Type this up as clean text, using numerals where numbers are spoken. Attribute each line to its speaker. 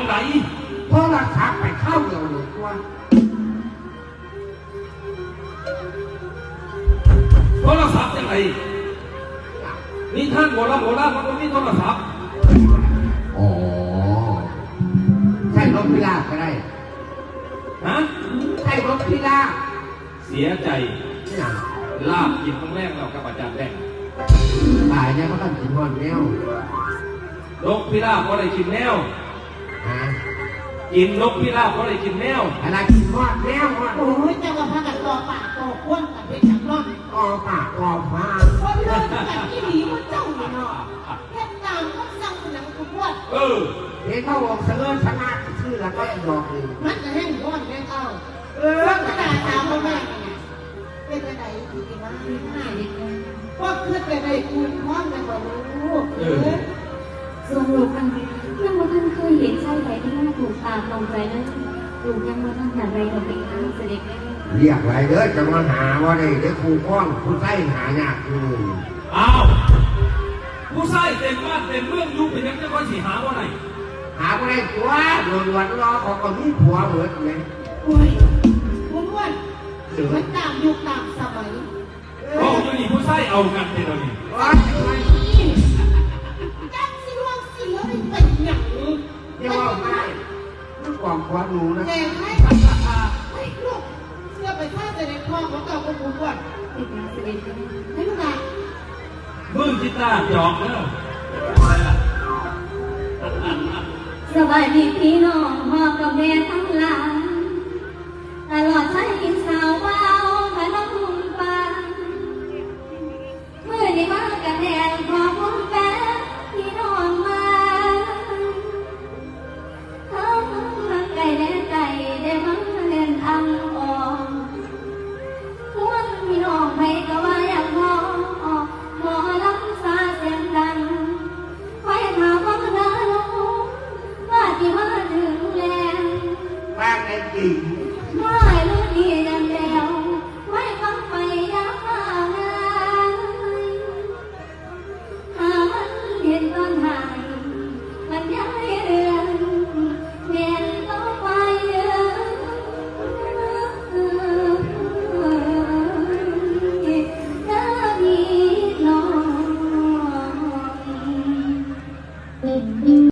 Speaker 1: ไหน
Speaker 2: โทรศัพท์ไปเข้าเดียวหนึ่งตัว
Speaker 1: โทรศัพท์ยังไงนี่ท่านโบราณมันก็มีโทรศัพท์
Speaker 2: อ๋อใช่รถพิราบก็ได้
Speaker 1: ฮะ
Speaker 2: ใช่รถพิราบ
Speaker 1: เสียใจลาบกินครั้งแรกเรากับอาจารย์แดง
Speaker 2: ตายเนี่ยเขาต้องกินหอดแนวน
Speaker 1: กพิราบเขาได้กินแนวกินนกพิราบเขาได้กินแนว
Speaker 2: อะไรกินหอดแนว
Speaker 3: โอ้ยจะมาพากันต่อปากต่อควนกันไปจับร่อน
Speaker 2: ต่อปากต่อฟ้า
Speaker 3: คนเลิกกันที่หนีมันเจ้าเนาะแค่ตามเขาสั่งหนังขวด
Speaker 2: เห็นเขาบอกเสนอชนะชื่อแล้วก็บอกเลย
Speaker 3: มันจะแห้งร้อนแห้งเอากระดาษตามมาแม่เป็นอะไรที่ว่าห้าเด็กว่าเพื่อนเป็นอะไรคุณพ่อมันบอกลูก
Speaker 4: ส่วนลูกมันยังว่าท่านเคยเห็นชายใดที่น่าถูกตาตรงใจนั้นลูกยังว่าท่านหาอะไรเราเป็นข้าเสด็จได้
Speaker 2: เรียกอะไรเด้อจะมาหาว่าได้เด็กครูก้อนผู้ใส่หายากอยู่
Speaker 1: อ้าวผู้ใส่เต็มบ้านเต็มเมืองยุคเป็นยังจะคอยสีหาว่าไหน
Speaker 2: หาว่าได้ตัวหลวนรอของคนนี้ผัวเหมือนไง
Speaker 3: โอ้ยคุณว่ามันตามยุคตามสมัย
Speaker 1: โอ้ยนี่ผู้ใส่เอากันเป็นอะไร
Speaker 3: จับสิวงสิแล้วเป็นอย่างนี้
Speaker 2: เดี๋ยวว่าไม่ลูกกองควาดูนะ
Speaker 3: แกให้ให้ลูกเสื้อไปท่าแต่ในคลองของเก่าของคุณก่อน
Speaker 4: เด็กเสด็จ
Speaker 3: ให้ลูกนะ
Speaker 1: มึงจิตตาหยอกเนอะ
Speaker 4: สวัสดีพี่น้องพ่อกับแม่ทั้งหลาย